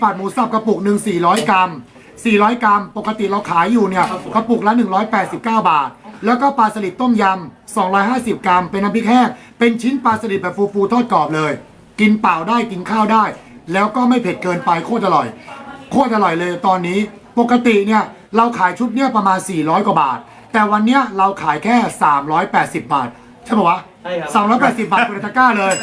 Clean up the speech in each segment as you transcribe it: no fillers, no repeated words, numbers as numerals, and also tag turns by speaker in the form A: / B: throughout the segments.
A: ผัดหมูสับกระปุกหนึ่ง400 กรัม400 กรัมปกติเราขายอยู่เนี่ยกระปุกละ189 บาทแล้วก็ปลาสลิดต้มยำ250 กรัมเป็นน้ำพริกแห้งเป็นชิ้นปลาสลิดแบบฟูๆทอดกรอบเลยกินเปล่าได้กินข้าวได้แล้วก็ไม่เผ็ดเกินไปโคตรอร่อยโคตรอร่อยเลยตอนนี้ปกติเนี่ยเราขายชุดเนี่ยประมาณ400 กว่าบาทแต่วันเนี้ยเราขายแค่380 บาทใช่ป่าวะ380 บาทคุณตะกร้าเลย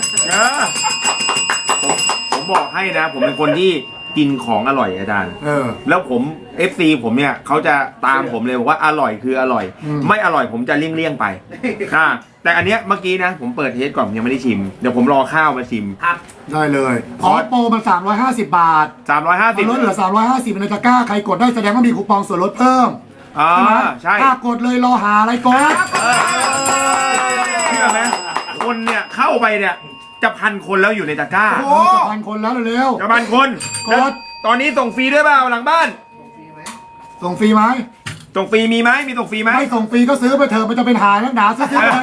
B: ผมบอกให้นะผมเป็นคนที่กินของอร่อยอาจารย์แล้วผม FC ผมเนี่ยเขาจะตามผมเลยบอกว่าอร่อยคืออร่อยไม่อร่อยผมจะเลี่ยงไปแต่อันเนี้ยเมื่อกี้นะผมเปิดเทสก่อนยังไม่ได้ชิมเดี๋ยวผมรอข้าวมาชิม
C: ครับ
A: ได้เลยขอโปรมัน350 บาท
B: 350
A: ลดเหลือ350ในตะกร้าใครกดได้แสดงว่ามีคูปองส่วนลดเพิ่ม
B: ใช่
A: ถ้ากดเลยรอหาอะไรกด
B: เชื่อไหมคนเนี่ยเข้าไปเนี่ยจะ1,000 คนแล้วอยู่ในตะกร้า
A: จะ1,000 คนแล้วเร็ว
B: จะ1,000 คนกดตอนนี้ส่งฟรีด้วยเปล่าหลังบ้าน
A: ส่งฟรีไหม
B: ส่งฟรีมีไหมมีส่งฟรีไหม
A: ไม่ส่งฟรีก็ซื้อไปเถอะมันจะเป็นหานักหนาซื้อเลย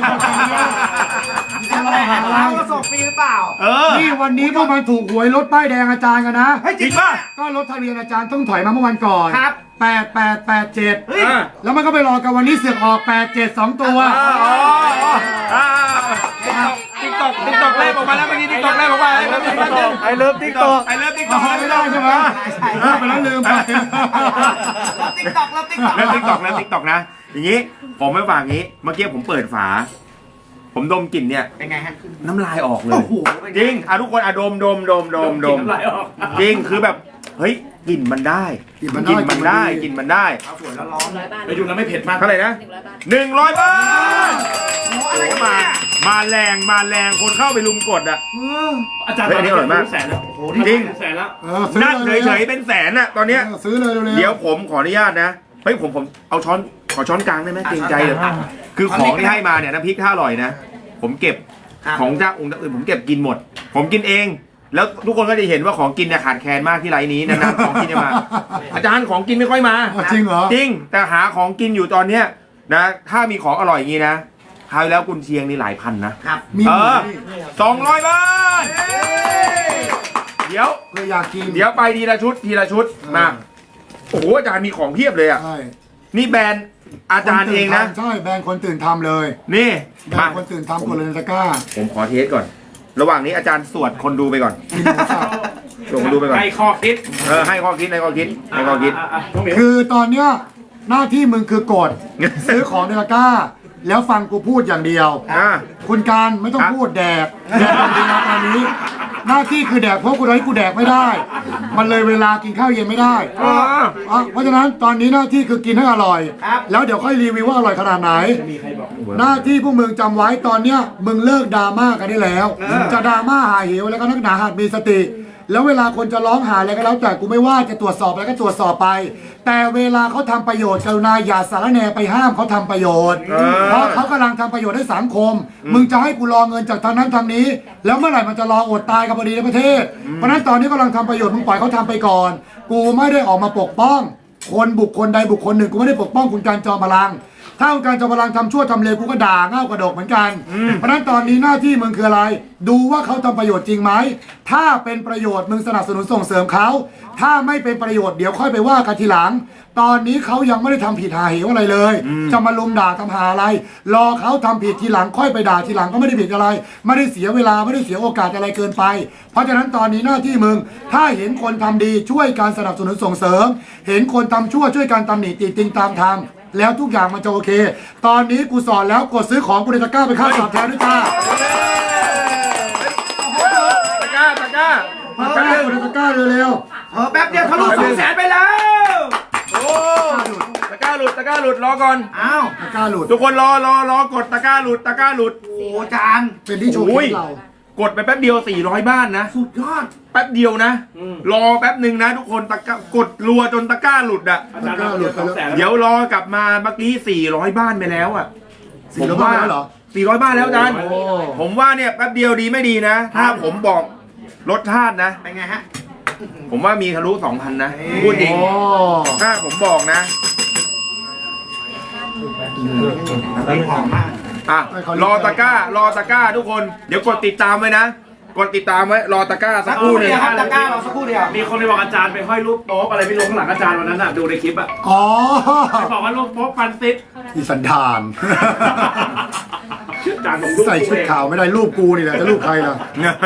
C: เราส่งฟรีหรือเปล่า
A: นี่วันนี้พวกมันถูกหวยรถป้ายแดงอาจารย์กันนะ
B: จริงป่ะ
A: ก็รถทะเบียนอาจารย์ต้องถอยมาเมื่อวันก่อน
C: ครับ
A: 8887แล้วมันก็ไปรอกันวันนี้เสือกออก87 2 ตัว
B: ติ๊กตอกแรกออกมาแล้วเมื่อกี้ติ๊กตอกแรกออกมา
A: ไอเลิฟติ๊กตอก
B: ไม่
A: ได้ใช่ไหมไปแล้วลืมไป
C: ติ๊กตอก
B: แล้วติ๊กตอกนะอย่างนี้ผมไม่ฝากงี้เมื่อกี้ผมเปิดฝาผมดมกลิ่นเนี่ย
C: เป็นไงฮะ
B: น้ำลายออกเลยจริงทุกคนดม
C: น้ำลายออก
B: จริงคือแบบเฮ้ยกลิ่นมันได้กลิ่นมันได้
C: สวยแล้วร้อนไปดูแล้วไม่เผ็ดมาก
B: เท่าไหร่นะ100 บาทโอ้มาแรงคนเข้าไปลุมกดอ่ะ
C: อาจารย์
B: อันนี้อร่อยมาก
C: แสนแล้วโอ้โห
B: จริง
C: แสนแล้ว
B: นั่งเฉยๆเป็นแสนอ่ะตอนเนี้ย
A: ซื้อเลย
B: เดี๋ยวผมขออนุญาตนะเฮ้ยผมเอาขอช้อนกลางได้ไหมเกรงใจเลยคือของที่ให้มาเนี่ยน้ำพริกถ้าอร่อยนะผมเก็บของเจ้าองค์อื่นผมเก็บกินหมดผมกินเองแล้วทุกคนก็จะเห็นว่าของกินเนี่ยขาดแคลนมากที่ไลน์นี้นานๆของกินจะมาอาจารย์ของกินไม่ค่อยมา
A: จริงเหรอ
B: จริงแต่หาของกินอยู่ตอนเนี้ยนะถ้ามีของอร่อยอย่างนี้นะคราวแล้วกุนเชียงนี่หลายพันนะครับ200 บาทเดี๋ยว
A: อยากกิน
B: เดี๋ยวไปทีละชุดมาโอ้โหอาจารย์มีของเพียบเลยอ่ะนี่แบรนด์อาจารย์เองนะ
A: ใช่แบรนด์คนตื่นทำเลย
B: นี่
A: แบรนด์คนตื่นทำกดเลยตะกร้า
B: ผมขอเทสก่อนระหว่างนี้อาจารย์สวดคนดูไปก่อนส่งคนดูไปก่อน
C: ให้ข้อคิด
B: ให้ข้อคิด
A: คือตอนเนี้ยหน้าที่มึงคือกดซื้อของในตะกร้าแล้วฟังกูพูดอย่างเดียวคุณการไม่ต้องพูดแดกอย่างเดียวตอนนี้หน้าที่คือแดกเพราะกูให้กูแดกไม่ได้มันเลยเวลากินข้าวเย็นไม่ได้เพราะฉะนั้นตอนนี้หน้าที่คือกินให้อร่อยแล้วเดี๋ยวค่อยรีวิวว่าอร่อยขนาดไหนหน้าที่พวกมึงจำไว้ตอนเนี้ยมึงเลิกดราม่ากันได้แล้วจะดราม่าหาเหวแล้วก็นักหนาหัดมีสติแล้วเวลาคนจะร้องหาอะไรก็แล้วแต่กูไม่ว่าจะตรวจสอบอะไรก็ตรวจสอบไปแต่เวลาเขาทำประโยชน์กรุณาอย่าสารแหน่ไปห้ามเขาทำประโยชน์เพราะเขากำลังทำประโยชน์ให้สังคมมึงจะให้กูรอเงินจากทางนั้นทางนี้แล้วเมื่อไหร่มันจะรออดตายกับพอดีในประเทศเพราะนั้นตอนนี้กำลังทำประโยชน์มึงปล่อยเขาทำไปก่อนกูไม่ได้ออกมาปกป้องคนบุคคลใดบุคคลหนึ่งกูไม่ได้ปกป้องคุณการจอมพลังถ้าคุณการจอมพลังทำชั่วทำเลวกูก็ด่าเง่ากระดกเหมือนกันเพราะนั้นตอนนี้หน้าที่มึงคืออะไรดูว่าเขาทำประโยชน์จริงไหมถ้าเป็นประโยชน์มึงสนับสนุนส่งเสริมเขาถ้าไม่เป็นประโยชน์เดี๋ยวค่อยไปว่ากันทีหลังตอนนี้เขายังไม่ได้ทำผิดหาเหวอะไรเลยจะมาลุมด่าทำหาอะไรรอเขาทำผิดทีหลังค่อยไปด่าทีหลังก็ไม่ได้ผิดอะไรไม่ได้เสียเวลาไม่ได้เสียโอกาสอะไรเกินไปเพราะฉะนั้นตอนนี้หน้าที่มึงถ้าเห็นคนทำดีช่วยการสนับสนุนส่งเสริมเห็นคนทำชั่วช่วยการตำหนิติติงตามทางแล้วทุกอย่างมันจะโอเคตอนนี้กูสอนแล้วกดซื้อของกูในตะกร้าไปค่าตอบแทนด้วยจ้า
B: ตะกร้า
A: กูในตะกร้าเร็ว
C: แป๊บเดียวทะลุ200,000ไปแล้ว
B: โอ้ตะกร้าหลุดรอก่อน
A: ตะกร้าหลุด
B: ทุกคนรอกดตะกร้าหลุด
C: โอ้จาน
A: เป็นที่โชว์เรา
B: กดไปแป๊บเดียว400 บ้านนะ
C: สุดยอด
B: แป๊บเดียวนะรอแป๊บหนึ่งนะทุกคนตะกร้ากดรัวจนตะกร้าหลุดอ่ะเดี๋ยวรอกลับมาเมื่อกี้400 บ้านไปแล้วอ่ะ
A: ผมว่าเหรอ
B: 400 บ้านแล้วอาจารย์ผมว่าเนี่ยแป๊บเดียวดีไม่ดีนะถ้าผมบอกรสชาตินะ
C: เป็นไงฮะ
B: ผมว่ามีทะลุ 2,000 นะพูดจริงถ้าผมบอกนะ
C: หอมมาก
B: รอตะกร้าทุกคนเดี๋ยวกดติดตามไว้นะกดติดตามไว้รอตะกร้าสักครู่หนึง
C: ครับตะกร้าเราสักครู่เดียว
D: มีคนไปบอกอาจารย์ไปห้อยรูปโป๊ะอะไรไม่รู้ข้างหลังอาจารย์วันนั้นน่ะดูในคลิปอ่ะ
A: อ๋อ
D: ไปบอกว่ารูปโป๊ะฟันติด
A: อีสันดาน
D: อาจารย์ผมรูป
A: ใส่ชุดขาวไม่ได้รูปกูนี่แหละจะรูปใครล่ะ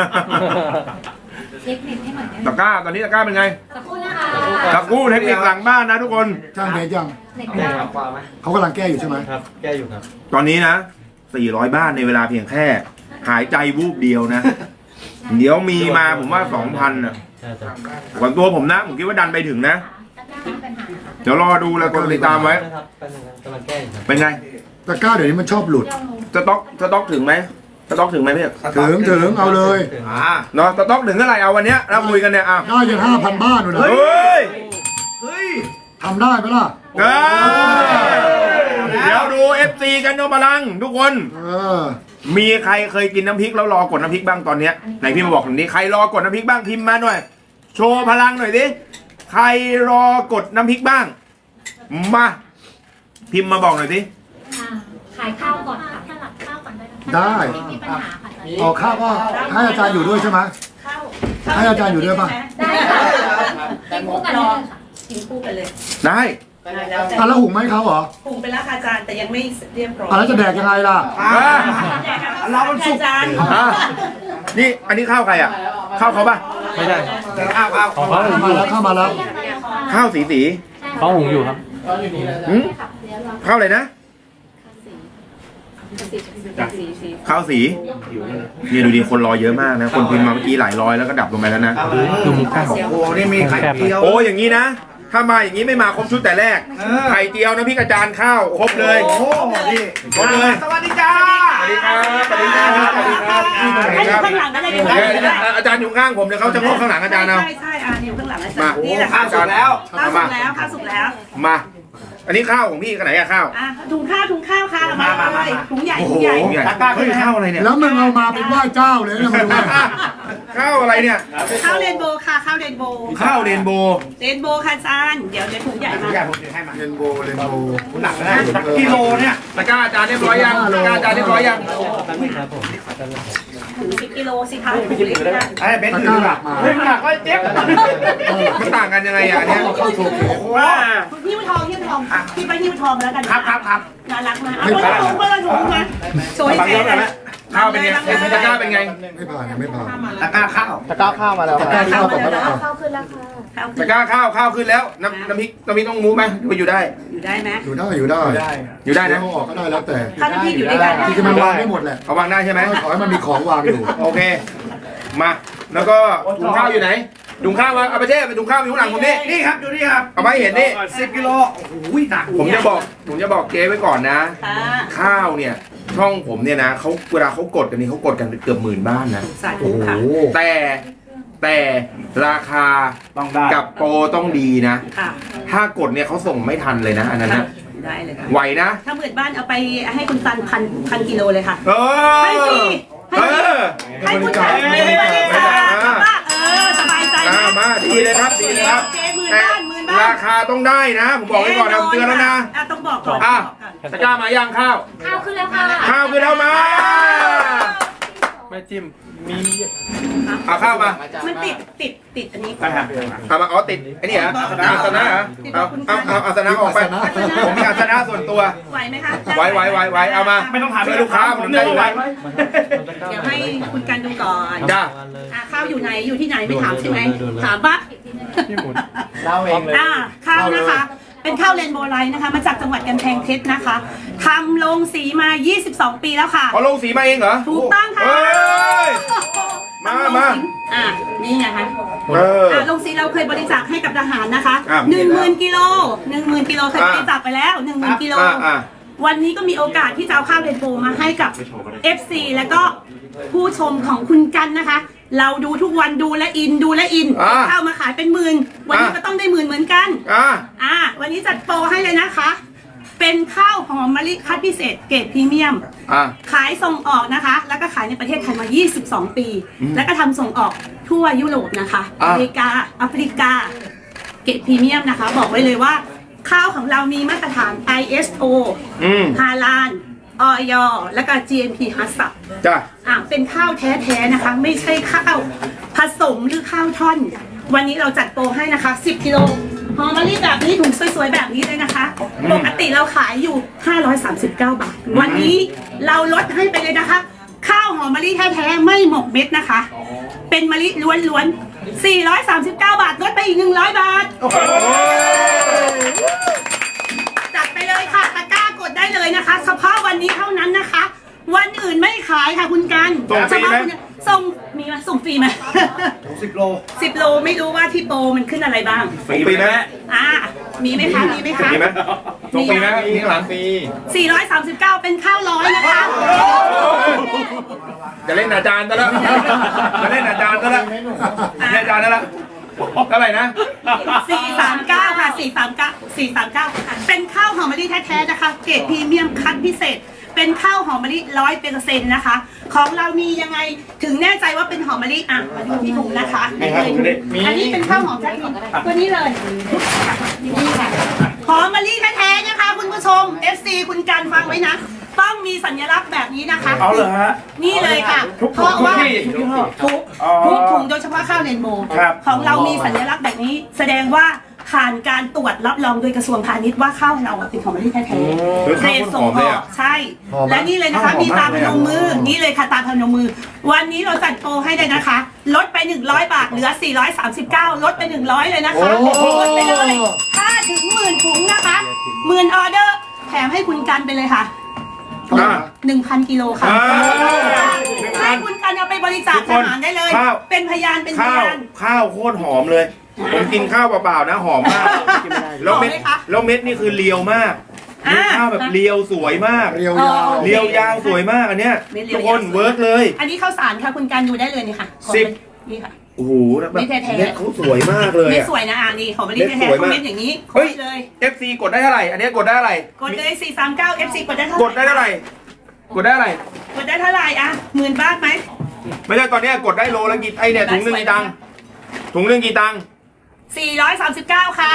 E: เช็คเน็ตให้หน่อยได้ไหม
B: ตะกร้าตอนนี้ตะกร้าเป็นไง
E: สักครู่นะคะ
B: ตะกร้าเทคนิคหลังบ้านนะทุกคน
A: ช่างเบสยัง
E: เน็ต
F: แก้
E: ได้
F: ความไหม
A: เขากำลังแก้อยู่ใช่ไหม
F: ครับ แก้อยู่ครับ
B: ตอนนี้นะ 400 บ้านในเวลาเพียงแค่ หายใจวูบเดียวนะ เดี๋ยวมีมาผมว่า 2,000น่ะ
F: ใช่จ้ะ
B: ส่วนตัวผมนะ ผมคิดว่าดันไปถึงนะ เดี๋ยวรอดูแล้วกดติดตามไว้
F: นะครับเป็นยังไงกำลังแก้อยู่ครับ
B: เป็นไง
A: ตะกร้าเดี๋ยวนี้มันชอบหลุด
B: สต็อกถึงไหมสต็อกถึงไหมพี่
A: ถึงเอาเลย
B: เนาะสต็อกถึงเท่าไหร่เอาวันเนี้ยเราคุยกันเนี่ยอ่ะ
A: ได้ยัง5,000 บ้านอยู่นะ
B: เฮ้ย
C: เฮ้ย
A: ทำได้ไหมล่ะ
B: เอ้ยเดี๋ยวดู FC กันโนพลังทุกคน
A: เออ
B: มีใครเคยกินน้ำพริกแล้วรอกดน้ำพริกบ้างตอนเนี้ยไหนพี่มาบอกผมดิใครรอกดน้ำพริกบ้างพิมพ์มาหน่อย โชว์พลังหน่อยดิใครรอกดน้ำพริกบ้าง มาพิมพ์มาบอกหน่อยดิ
E: ขายข้าวก่อนค่ะสลับข้าวก่อนได้ไหม
A: ได้
E: ไม่มีปัญหาค่ะ
A: ออกข้าวก็ให้อาจารย์อยู่ด้วยใช่ไหมให้อาจารย์อยู่ด้วยป่ะ
E: ได้ค่ะกินคู่กันเลยค่ะ
G: กินคู่กันเลย
B: ได้
G: แล้วแต่
A: อ่ะแล้วหุงไหมเขาเหรอ
G: หุงไปแล้วค่ะอาจารย์แต่ยังไม่เรียบร้อย
A: อ่ะแล้วจะแดกยังไงล่ะ
G: เราเป็นสุกอาจารย์
B: อ่ะนี่อันนี้ข้าวใครอ่ะข้าวเขาป่ะ
F: ไม่ใช่
C: เอา
F: ของเขาหุง
A: มา
F: อยู่
A: แล้วเข้ามาแล้ว
B: ข้าวสี
F: เขาหุงอยู่ครับ
B: หืมข้าวอะไรนะข้าวสีเนี่ยดูดิคนรอเยอะมากนะ คนพิมพ์มาเมื่อกี้หลายร้อยแล้วก็ดับลงไปแล้วนะ
F: ดูมุกข้าว
C: โอ้โหนี่มีไข่เจียว
B: โอ้อย่างนี้นะ ถ้ามาอย่างนี้ไม่มาครบชุดแต่แรก ไข่เจียวนะพี่กระจานข้าวครบเลย
C: โอ้โหนี่
B: ครบเลย
C: สวัสดีจ้า
B: สวัสดีครับสวัสดีครับสวัสดีครับ
G: ให้อยู่ข้างหลังก็ได้อยู่ข้างหลังก็ได้
B: อาจารย์อยู่ข้างผมเดี๋ยวเขาจะงอกข้างหลังอาจารย์เอา
G: ใช่ใช่อยู่ข้างหลังอาจาร
B: มา
G: ย์นี่แหละ
C: ข้า
G: ค่ะ
C: วสุกแล้ว
G: ข้าวสุกแล้วข้าวสุกแล้ว
B: มา อันนี้ข้าวของพี่กันไหนอะข้าว
G: อ่ะถุงข้าวค่ะมาเลยถุงใหญ่
B: โอ้
G: ถุ
B: โห
G: งใหญ่
C: ตะกร้าขึ้นแล้ว
B: ข้าวอะไรเนี่ย
A: แล้วมึงเอามาเป็นไหว้เจ้าเลยนะมาดูเนี่ย
B: ข้าวอะไรเนี่ย
G: ข้าวเรนโบว์ค่ะข้าวเรนโบว์
B: ข้าวเรนโบว์
G: เรนโบว์ค่ะอาจารย์เดี๋ยวถุงใหญ่มา
C: อยากผมถือให้มา
A: เรนโบว์เรนโบว์
C: หนักนะกิโลเนี่ย
B: ตะกร้าอาจารย์เรียบร้อยยังตะกร้าอาจารย์เรียบร้อยยัง
F: ครับผม
G: ถึง10 กิโลสิคะถุงเล็กได้
C: ไอ้เบน
A: ตะ
C: ซ์
A: ก
C: ถื
A: ร้า
C: อ
A: ห
C: แบ
A: ลั
C: บ
A: กมา
C: หนักก็เจ็บ
B: มันต่างกันยังไงอ่ะเนี่ย
A: เข้าโชว์เคส
C: ว้า
G: หิ้วทองพี่ไปหิ้วทองแล้วกัน
C: ครับ
G: น่ารักมากเอาคนละถุงมาโชว์ให้แฟนเลย
B: ข้าวเป็นไงตะกร้าเป็นไง
A: ไม่ผ่านยังไม่ผ่าน
C: ตะกร้าข้าว
A: ตะกร้าข้าวต่อไปแล้ว
E: ข้าวขึ้นแล้วค่ะ
B: ตะกร้าข้าวขึ้นแล้วน้ำพริกต้องมูฟไหมไปอยู่ได้
G: อยู่ได้ไหม
A: อยู่ได้อยู่ได้
B: อยู่ได้นะ
A: เอาออกก็ได้แล้วแต่
G: ข้าวน้ำพริกอยู่ด้วยกัน
A: ที่จะมันวางได้หมดแหละ
B: เอาวางได้ใช่ไหม
A: ขอให้มันมีของวางอยู่
B: โอเค มา แล้วก็ถุงข้าวอยู่ไหนถุงข้าวมาเอาไปเช่ไปถุงข้าวอยู่ข้างหลังผมนี่
C: นี่ครับอยู่นี่ครับ
B: เอาไปเห็นนี่
C: 10 กิโลโอ้โหหนัก
B: ผมจะบอกเจ๊ไว้ก่อนนะ
G: ค่ะ
B: ข้าวเนี่ยช่องผมเนี่ยนะเขาเวลาเขากดกันนี่เขากดกันเกือบ10,000 บ้านนะ
G: สาธุค่ะ
B: แต่ราคา
C: ต้องได้
B: กับโปรต้องดีนะ
G: ค่ะ
B: ถ้ากดเนี่ยเขาส่งไม่ทันเลยนะอันนั้นนะ
G: ได้เลยค่ะ
B: ไหวนะ
G: ถ้าหมื่นบ้านเอาไปให้คุณตันพันกิโลเลยค่ะ
B: เออ
G: ให้ฟรี
B: เออ
G: ให้คุณตันบริจาคว่าสบายใจนะ
B: มาดีเลยครับดีเลยครับ
G: เจ๊หมื่น
B: แต่
G: บ้านหมื่นบ้าน
B: ราคาต้องได้นะ ผมบอกไว้ก่อนนะผมเตือนแล้วนะ
G: ต้องบอกก่อน
B: อ่ะตะกร้ามาย่างข้าว
E: ข้าวขึ้นแล้วค่ะ
B: ข้าวคือเรามา
F: แม่จิ้ม มี
B: เอาข้าวมา
G: มันติดอันนี้
B: เอามาอ๋อติดไอ้นี่เหรออาสนะเหรอเอาอาสนะออกไปผมมีอาสนะส่วนตัว
G: ไหวไหมคะ
B: ไว้เอามา
D: ไม่ต้องถาม
B: ช่วยลูกค้าผมได้อยู่แล้ว
G: เดี๋ยวให้คุณกันดูก่อน
B: จ้า
G: ข้าวอยู่ไหนอยู่ที่ไหนไม่ถามใช่ไหมถามปะ
F: พี่หมุน
C: เราเองเลย
G: ข้าวนะคะ เป็นข้าวเรนโบว์ไลท์นะคะ มาจากจังหวัดกำแพงเพชรนะคะทำลงสีมา 22 ปีแล้วค่ะ
B: เอาลงสีมาเองเหรอ
G: ถูกต้องค่ะ
B: เฮ้ยมา
G: นี่ไงคะ
B: เออ
G: ลงสีเราเคยบริจาคให้กับทหารนะคะ
B: อ่ะ
G: 10,000 กิโล 10,000 กิโลเคยบริจาคไปแล้ว 10,000 กิโล วันนี้ก็มีโอกาสที่จะเอาข้าวเรนโบว์มาให้กับ FC แล้วก็ผู้ชมของคุณกันนะคะ เราดูทุกวันดูและอินข้าวมาขายเป็นหมื่นวันนี้ก็ต้องได้หมื่นเหมือนกัน วันนี้จัดโปรให้เลยนะคะ เป็นข้าวหอมมะลิคัดพิเศษเกรดพรีเมียม ขายส่งออกนะคะ แล้วก็ขายในประเทศไทยมา 22 ปี แล้วก็ทำส่งออกทั่วยุโรปนะคะอเมริกาแอฟริกา เกรดพรีเมียมนะคะ บอกไว้เลยว่า ข้าวของเรามีมาตรฐาน ISO ฮาลาลอย.และก็ GMP ฮัสซับ
B: จ้ะ
G: เป็นข้าวแท้ๆนะคะ ไม่ใช่ข้าวผสมหรือข้าวท่อน วันนี้เราจัดโปรให้นะคะ 10 กิโลหอมมะลิแบบนี้ถุงสวยๆแบบนี้เลยนะคะ ปกติเราขายอยู่ 539 บาท วันนี้เราลดให้ไปเลยนะคะ ข้าวหอมมะลิแท้ๆไม่หมกเม็ดนะคะ เป็นมะลิล้วนๆ 439 บาท ลดไปอีก 100 บาท จัดไปเลยค่ะตะกร้ากดได้เลยนะคะเฉพาะวันนี้เท่านั้นนะคะ วันอื่นไม่ขายค่ะคุณกัน
B: ส่งฟรีไหม
G: ส่งมีไหมส่งฟรีไหม
C: 10 โล
G: 10 โลไม่รู้ว่าที่โปรมันขึ้นอะไรบ้าง
B: ส่งฟรีไหม
G: มีไหมคะมีไหมคะ
B: มีไหมส่งฟรีไหมมีข้างหลังฟรี
G: 439 เป็นข้าวร้อยนะคะ
B: จะเล่นอาจารย์ซะแล้วจะเล่นอาจารย์ซะแล้วเล่นอาจารย์ซะแล้วเท่าไหร่นะ
G: 439 ค่ะ 439 เป็นข้าวหอมมะลิแท้ๆนะคะ เกรดพรีเมียมคัดพิเศษ เป็นข้าวหอมมะลิ100%นะคะ ของเรามียังไงถึงแน่ใจว่าเป็นหอมมะลิมาดูที่ถุงนะคะอันนี้เป็นข้าวหอมแท้ๆตัวนี้เลยนี่ค่ะหอมมะลิแท้ๆนะคะ คุณผู้ชม FC คุณกันฟังไว้นะ ต้องมีสัญลักษณ์แบบนี้นะคะ
D: เอาเลยฮะ
G: นี่เลยค่ะ เพราะว่าทุกถุงโดยเฉพาะข้าวเรนโบว์
D: ครับ
G: ของเรามีสัญลักษณ์แบบนี้ แสดงว่าผ่านการตรวจรับรองโดยกระทรวงพาณิชย์ว่าข้าวเราเป็นของประเทศแท้ๆเกรดส่งออกใช่ และนี่เลยนะคะมีตาพนมมือนี่เลยค่ะตาพนมมือ วันนี้เราจัดโปรให้เลยนะคะลดไป100 บาทเหลือ439ลดไป100เลยนะคะลดไปเลยถ้าถึง10,000 ถุงนะคะ10,000 ออเดอร์แถมให้คุณกันไปเลยค่ะ 1,000 กิโลค่ะให้คุณกันเอาไปบริจาคอาหารได้เลย เป็นพยานเป็นพยาน
B: ข้าวโคตรหอมเลย ผมกินข้าวเปล่าๆนะหอมมากแล้วเม็ดนี่คือเรียวมากข้าวแบบเรียวสวยมาก
A: เรียวยาว
B: เรียวยาวสวยมากอันเนี้ยทุกคนเวิร์กเลย
G: อันนี้ข้าวสารค่ะคุณกันดูได้เลยนี่ค่ะ นี่ค่ะ
B: โอ้โหแบบ
G: ไม่แท้ๆ
B: เม็ดเขาสวยมากเลย
G: ไม่
B: อะ
G: สวยนะนี่ของบริษัทแท้ๆคอมเมนต์อย่างนี้ก
B: เฮ้ย
G: ดเลย
B: FC กดได้เท่าไหร่อันเนี้ยกดได้เท่าไหร่
G: กดเลย439 FC กดได้เท่าไหร่
B: กดได้เท่าไหร่กดได้เท่าไหร่
G: กดได้เท่าไหร่10,000 บาทไหม
B: ไม่ใช่ตอนเนี้ยกดได้โลละกี่ไอเนี่ยถุงหนึ่งกี่ตังค์ถุงหนึ่งกี่ตังค์
G: 439 ค่ะ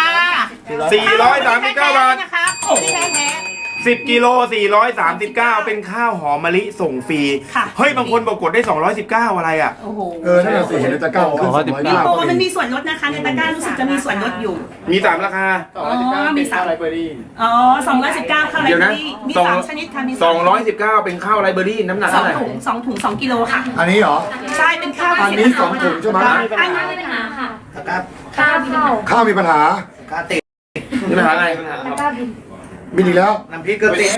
B: 439 บาท
G: นะคะของที่แท้
B: 10 กิโล 439 เป็นข้าวหอมมะลิส่งฟรี
G: ค่ะ
B: เฮ้ย บางคนบอกกดได้ 219 อะไรอ่ะ
G: ๆโอ้โห
A: นั่นแหละสิเห็นในตะกร้าขึ้น209
G: มีโปรมันมีส่วนลดนะคะในตะกร้ารู้สึกจะมีส่วนลดอยู่
B: มี 3 ราคา
G: มี3อะไรเบอร์รี่219ข้าวไร
B: เดี๋ยว
G: เบอ
B: นะ
G: ร์รี่มี
B: สอง
G: 3ชนิดค่ะมี3
B: 219 เป็นข้าวไรเบอรี่น้ำหนัก
G: สอ
B: เท่าง ไหร่
G: ถุง2 กิโลค่ะ
A: อันนี้เหรอ
G: ใช่เป็นข้าว
A: อันนี้2 ถุงใช่ไหม
G: อันนี้
E: ไม่มีปัญหาค่ะ
C: ตะกร้า
E: ข้าวเข้า
A: ข้าวมีปัญหา
C: ตะกร้าติด
B: นี่ปัญหาอะไร
E: ตะกร้าบิน
A: บินอีกแล้ว
C: น้ำพริกก็ติด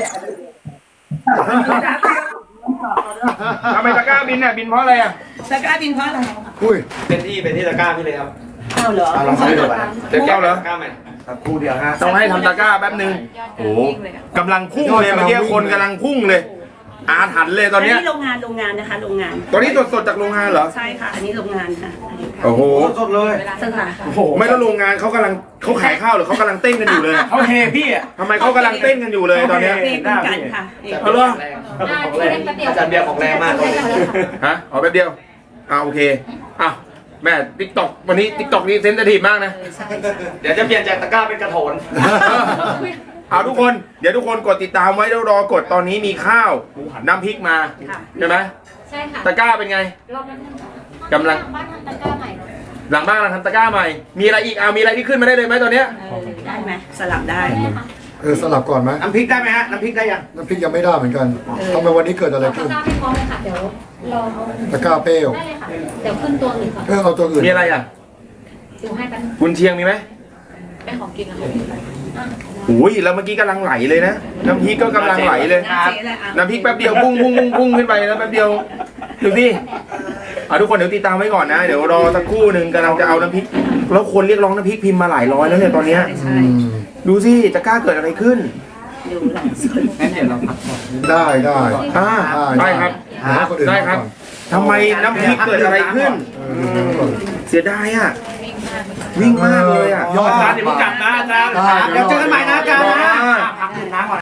B: ทำไมตะกร้าบินเนี่ยบินเพราะอะไรอ่ะ
G: ตะกร้าบินเพราะอะไร
A: อุ้ย
C: เป็นที่ตะกร้าพี่เลยครับ
G: ข้าวเหรอ
C: ลองใช้ดูก่อน
B: เดี๋ยวแก้วเหรอ
C: ตะกร้าใหม่ครับคู่เดียวฮะ
B: ต้องให้ทำตะกร้าแป๊บนึงโอ้โหกำลังพุ่งเลยเมื่อกี้คนกำลังพุ่งเลย อาถรรพ์เลยตอนเนี้ย
G: อันนี้โรงงานนะคะโรงงาน
B: ตอนนี้สดๆจากโรงงานเหรอ
G: ใช่ค่ะอันนี้โรงงานค่ะ
B: โอ้โห
C: สดเลย
G: สถาน
C: โอ้โห
B: ไม่แล้วโรงงานเขากำลังเขาขายข้าวหรือเขากำลังเต้นกันอยู่เลย
C: เขาเฮพี่อ่ะ
B: ทำไมเขากำลังเต้นกันอยู่เลยตอนเนี้ย
G: เรียกคุณกันค่ะ
B: เอาเหรอ
C: ของแรงอาจารย์เบียร์ของแรงมากเลย
B: ฮะเอาแป๊บเดียวโอเคแม่ติ๊กต็อกวันนี้ติ๊กต็อกนี่เซนซิทีฟมากนะ
C: เดี๋ยวจะเปลี่ยนจากตะกร้าเป็นกระโถน
B: เอาทุกคนเดี๋ยวทุกคนกดติดตามไว้แล้วรอกดตอนนี้มีข้าวน้ำพริกมาใช่ไหม
E: ใช่ค่ะ
B: ตะกร้าเป็นไง
E: รอบนั้น
B: กำลัง
E: บ้านทำตะกร้าใหม่
B: หลังบ้านเราทำตะกร้าใหม่มีอะไรอีกมีอะไรที่ขึ้นมาได้เลยไหมตอนเนี้ย
G: ได้ไหมสลับได้
A: สลับก่อนไหม
C: น้ำพริกได้ไหมฮะ น้ำพริกได้ยัง
A: น้ำพริกยังไม่ได้เหมือนกันทำไมวันนี้เกิดอะไร
E: ตะ
A: ขึ้น
E: กร้าไม่พร้อมเลยค่ะ เดี๋ยวรอ
A: ตะกร้าเปรี้ยว
E: ได้เลยค่ะ เดี๋ยวขึ้นตัวอื่นก่อน
A: เอาตัวอื่น
B: มีอะไรอ่ะ
E: ดูให้กัน
B: กุนเชียงมีไหม
E: เป็นของกินนะคะ
B: อุ้ยแล้วเมื่อกี้กำลังไหลเลยนะน้ำพริกก็กำลังไหลเลย น้ำพริกแป๊บเดียวพุ่งขึ้นไปแล้วแป๊บเดียวดูสิทุกคนเดี๋ยวติดตามไว้ก่อนนะเดี๋ยวรอสักครู่หนึ่งกำลังจะเอาน้ำพริกแล้วคนเรียกร้องน้ำพริกพิมพ์มาหลายร้อยแล้วเนี่ยตอนเนี้ย
A: อืม
B: ดูสิจะกล้าเกิดอะไรขึ้น
C: งั้นเดี๋ยวเราพักก่อน
A: ได้ได้
B: ได้ครับ
A: ให้คนอื่น
B: ได้
A: มา
B: ครับ
A: ก่อน
B: ทำไมน้ำพริกเกิดอะไรขึ้น เสียดายอ่ะวิ่งมากเลยอ่ะ
A: ยอด
D: อาจารย์อย่าเพิ่งกลับนะอาจารย์
A: ได้
C: เดี๋ยวเจอกันใหม่นะอาจารย์นะ
B: อ่า
C: พักดื่มน้ำก่อน